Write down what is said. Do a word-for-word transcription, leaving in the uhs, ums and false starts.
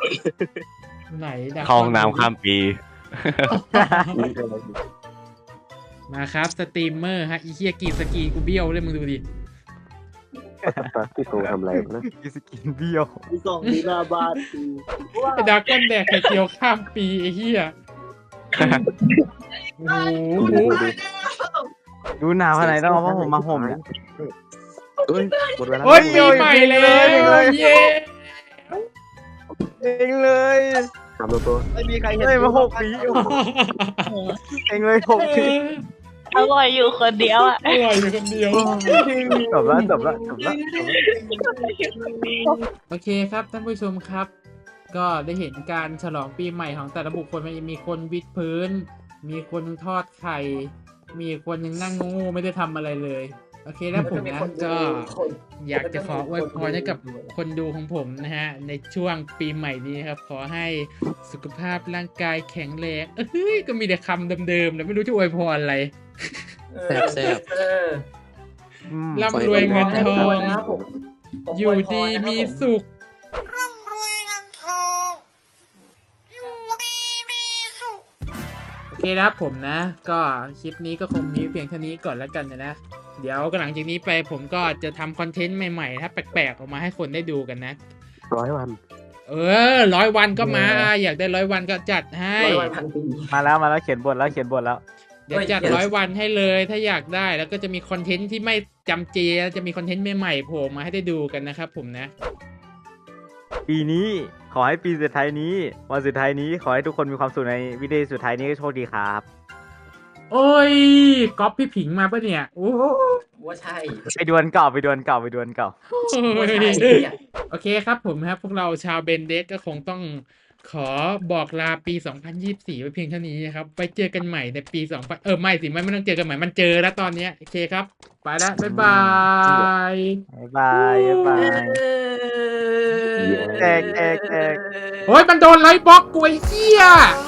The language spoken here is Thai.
ไหนดักเข้าห้องน้ำข้ามปีมาครับสตรีมเมอร์ฮะอีเคียกีสกีกูเบี้ยวเลยมึงดูดิพี่ตูทำอะไรนะกิสกินเบี้ยวมีสองดีหน้าบ้านกูว่าไอ้ดราก้อนแดกไข่เจียวข้ามปีไอ้เหี้ยโอ้โหดูหนาวขนาดไหนต้องเอาผ้าห่มมาห่มเนี่ยเอ้ยหมดเวลาโอ้ยปีใหม่แล้วเย้เองเลยทำตัวตัวไม่มีใครเห็นเฮ้ยมาหกปีเองเลยหกปีอร่อยอยู่คนเดียวอ่ะอร่อยอยู่คนเดียวจบแล้วจบแล้วจบแล้วโอเคครับท่านผู้ชมครับ ก็ได้เห็นการฉลองปีใหม่ของแต่ละบุคคลมันจะมีคนวิดพื้น มีคนทอดไข่ มีคนยังนั่งงูไม่ได้ทำอะไรเลย โอเคแล้วผมนะก็อยากจะขออวยพรให้กับคนดูของผมนะฮะในช่วงปีใหม่นี้ครับขอให้สุขภาพร่างกายแข็งแรงเอ้ยก็มีแต่คำเดิมๆแล้วไม่รู้จะอวยพรอะไรแซ่บแซ่บร่ำรวยเงินทอง อยู่ดีมีสุข โอเคนะครับผมนะ ก็คลิปนี้ก็คงมีเพียงเท่านี้ก่อนแล้วกันนะนะ เดี๋ยวก็หลังจากนี้ไปผมก็จะทำคอนเทนต์ใหม่ๆถ้าแปลกๆออกมาให้คนได้ดูกันนะร้อยวันเออร้อยวันก็มา อยากได้ร้อยวันก็จัดให้ร้อยวันพันปีมาแล้วมาแล้วเขียนบทแล้วเขียนบทแล้วเดี๋ยวจัดร้อยวันให้เลย ถ้าอยากได้แล้วก็จะมีคอนเทนต์ที่ไม่จำเจจะมีคอนเทนต์ใหม่ๆโผล่มาให้ได้ดูกันนะครับผมนะปีนี้ขอให้ปีสุดท้ายนี้วันสุดท้ายนี้ขอให้ทุกคนมีความสุขในวิดีโอสุดท้ายนี้ก็โชคดีครับโอ้ยก๊อปพี่ผิงมาปะเนี่ยโอ้โหว่าใช่ไปดวลเก่าไปดวลเก่าไปดวลเก่าว่าใช่เนี่ยโอเคครับผมครับพวกเราชาวเบนเดสก็คงต้องขอบอกลาปี สองพันยี่สิบสี่ ไว้เพียงเท่านี้นะครับไปเจอกันใหม่ในปี สองพัน เออไม่สิไม่ไม่ต้องเจอกันใหม่มันเจอแล้วตอนเนี้ยโอเคครับไปแล้วบ๊ายบายบ๊ายบายบ๊ายบายแจกแจกแจกโอ้ยมันโดนไลฟ์บล็อกกูไอ้เหี้ย